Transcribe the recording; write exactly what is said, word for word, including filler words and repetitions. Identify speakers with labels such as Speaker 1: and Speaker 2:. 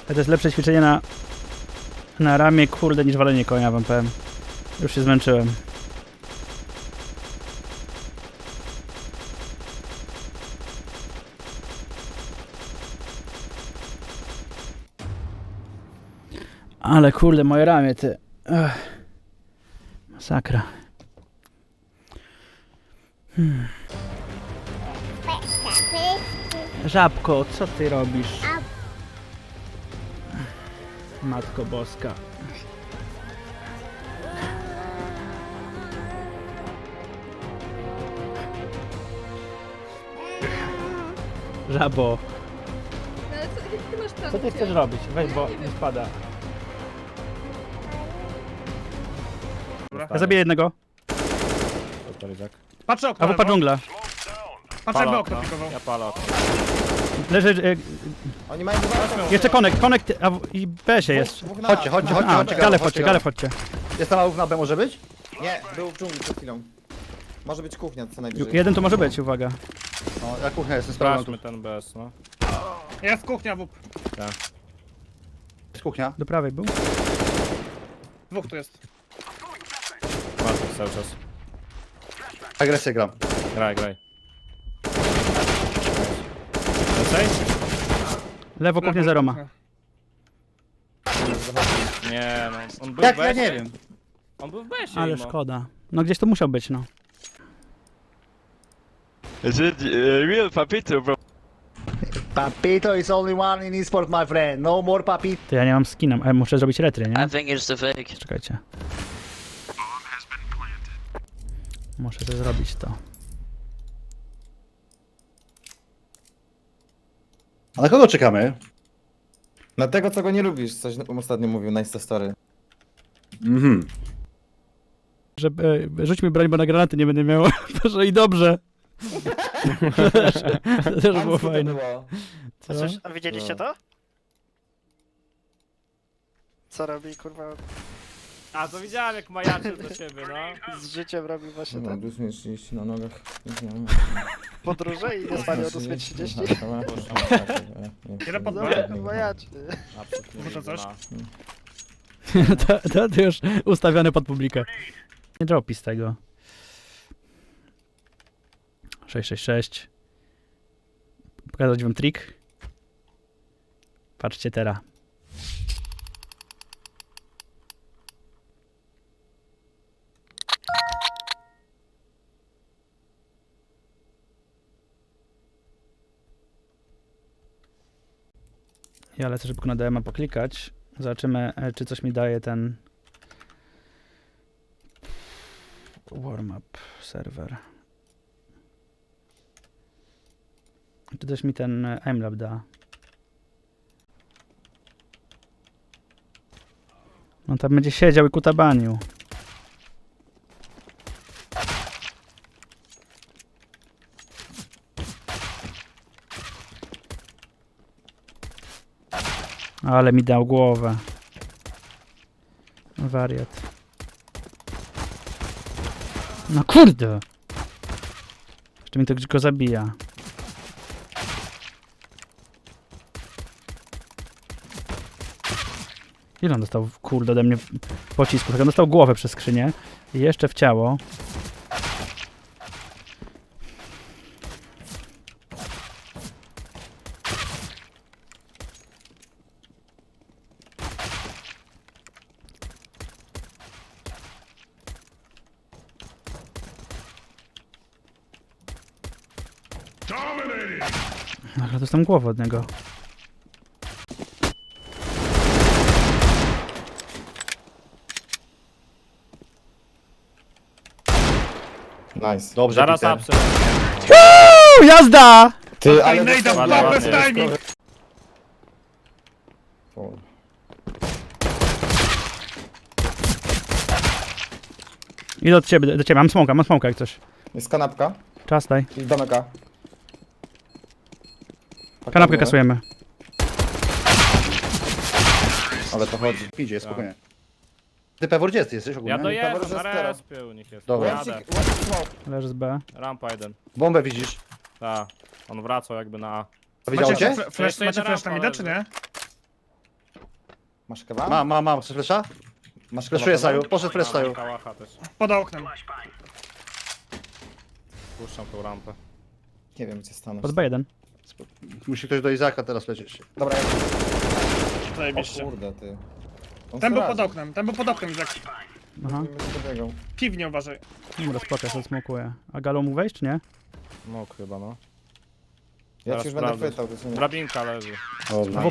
Speaker 1: To jest lepsze ćwiczenie na, na ramię, kurde, niż walenie konia, wam powiem. Już się zmęczyłem. Ale kurde, moje ramię, ty. Ech. Masakra. Hmm. Żabko, co ty robisz? Matko Boska. Żabo.
Speaker 2: Ale co, jak ty masz tam?
Speaker 1: Co ty chcesz robić? Weź, bo nie spada. Ja zabiję jednego.
Speaker 3: Patrzę okno.
Speaker 1: A wupa dżungla.
Speaker 3: Patrzę jakby okno pikował.
Speaker 4: Ja palę okno.
Speaker 1: Leży... E,
Speaker 5: Oni mają dwa.
Speaker 1: jeszcze konek, konek a w, i B się jest.
Speaker 5: Chodźcie, chodźcie, chodźcie,
Speaker 1: A,
Speaker 5: chodźcie.
Speaker 1: gale wchodźcie, gale wchodźcie.
Speaker 5: Jest tam ałów na B może być? Nie, był w dżungli przed chwilą. Może być kuchnia co najwyżej.
Speaker 1: Jeden tu może być, uwaga.
Speaker 5: No, ja kuchnia jestem sprawdzą tu.
Speaker 4: Sprawdźmy ten B S, no.
Speaker 3: Jest kuchnia, wup.
Speaker 5: Jest kuchnia.
Speaker 1: Do prawej był.
Speaker 3: Dwóch tu jest.
Speaker 4: Masz cały czas.
Speaker 5: Agresję gram.
Speaker 4: Graj, graj. Lecaj?
Speaker 1: Lewo kuchnia zero ma.
Speaker 4: Nie no, on był
Speaker 5: Jak
Speaker 4: w
Speaker 5: ja
Speaker 4: besie.
Speaker 5: nie wiem.
Speaker 4: On był w besie.
Speaker 1: Ale
Speaker 4: mimo.
Speaker 1: szkoda. No gdzieś to musiał być, no.
Speaker 6: Is it uh, real Papito, bro?
Speaker 5: Papito is only one in esport, my friend. No more papito.
Speaker 1: To ja nie mam skina, ale muszę zrobić retry, nie?
Speaker 7: I think it's the fake.
Speaker 1: Czekajcie. Muszę to zrobić to.
Speaker 5: A na kogo czekamy?
Speaker 8: Na tego, co go nie lubisz, coś ostatnio mówił na Insta Story.
Speaker 5: Mhm.
Speaker 1: Że, e, rzuć mi broń, bo na granaty nie będę miał. Proszę i dobrze. To też, to też było fajne. Co?
Speaker 9: A widzieliście to? Co robi, kurwa,
Speaker 4: A to widziałem jak majaczył do siebie, no.
Speaker 9: z życiem robi właśnie
Speaker 8: No,
Speaker 9: ten
Speaker 8: plus minus trzydzieści na nogach.
Speaker 9: podróże i nie spali od ósmej trzydzieści?
Speaker 3: Jeden pod
Speaker 9: No,
Speaker 3: B.
Speaker 9: majaczy.
Speaker 4: Absolutnie
Speaker 3: Muszę
Speaker 4: nie
Speaker 3: coś?
Speaker 4: ma.
Speaker 1: to, to, to już ustawione pod publikę. Nie dropi z tego. sześć sześć sześć. Pokazać wam trik. Patrzcie teraz. Ja lecę szybko na D M a poklikać. Zobaczymy, e, czy coś mi daje ten warm-up serwer. Czy też mi ten e, aimlab da. On tam będzie siedział i kutabanił. Ale mi dał głowę. Wariat. No kurde! Jeszcze mi to go zabija. Ile on dostał, kurde, ode mnie pocisku? Tak, on dostał głowę przez skrzynię. I jeszcze w ciało. Ale dostałem głowę od niego.
Speaker 8: Nice.
Speaker 5: Dobrze,
Speaker 4: Zaraz
Speaker 5: Peter.
Speaker 4: apsy.
Speaker 1: Uuu, jazda!
Speaker 8: Ty, ale
Speaker 3: Nejda w
Speaker 4: Ładnie,
Speaker 3: bez
Speaker 4: ładnie.
Speaker 3: timing.
Speaker 1: Idę od ciebie, do ciebie. Mam smoka, mam smoka jak coś.
Speaker 8: Jest kanapka
Speaker 1: Czas daj.
Speaker 8: i domeka.
Speaker 1: Kanapkę kasujemy.
Speaker 8: Ale to chodzi.
Speaker 5: Idzie, spokojnie. Ty pewor gdzie ty jesteś ogólnie?
Speaker 4: Ja dojeżdżam,
Speaker 8: Pewor, że
Speaker 4: na
Speaker 8: stara.
Speaker 4: respie u nich jest.
Speaker 5: Dobra.
Speaker 4: Jadę.
Speaker 1: Leży z B.
Speaker 4: Rampa jeden.
Speaker 5: Bombę widzisz?
Speaker 4: Tak. On wracał jakby na A.
Speaker 5: To widział
Speaker 3: Macie
Speaker 5: cię?
Speaker 3: fle- flash,
Speaker 4: Jeszcze
Speaker 3: macie
Speaker 4: jedna
Speaker 3: flash na
Speaker 4: rampa
Speaker 3: mida, czy nie?
Speaker 5: Masz kewa?
Speaker 7: Mam, mam, mam. Chcesz flesza?
Speaker 5: Masz kewa?
Speaker 7: Fleszuję
Speaker 5: Paweł?
Speaker 7: Saju. Poszedł flash Saju.
Speaker 4: Kałacha też.
Speaker 3: Pod oknem.
Speaker 4: Puszczam tą rampę.
Speaker 5: Nie wiem, gdzie stanąć.
Speaker 1: Pod B jeden.
Speaker 7: Musi ktoś do Izaka teraz lecieć.
Speaker 5: Dobra, ja... O
Speaker 3: Zajebiście.
Speaker 5: kurde, ty. On
Speaker 3: Ten był
Speaker 5: radzi.
Speaker 3: pod oknem, ten był pod oknem, Izak.
Speaker 1: Aha.
Speaker 5: Nie będzie dobiegał.
Speaker 3: Piwnie uważaj.
Speaker 1: Dobra, spoko, ja sobie smokuję. A galą mu wejść, czy nie?
Speaker 4: Mógł chyba, no.
Speaker 5: Ja
Speaker 4: Teraz
Speaker 5: ci już będę
Speaker 4: sprawdzę.
Speaker 5: chwytał, to się nie...
Speaker 4: Drabinka leży.
Speaker 7: Dobrze.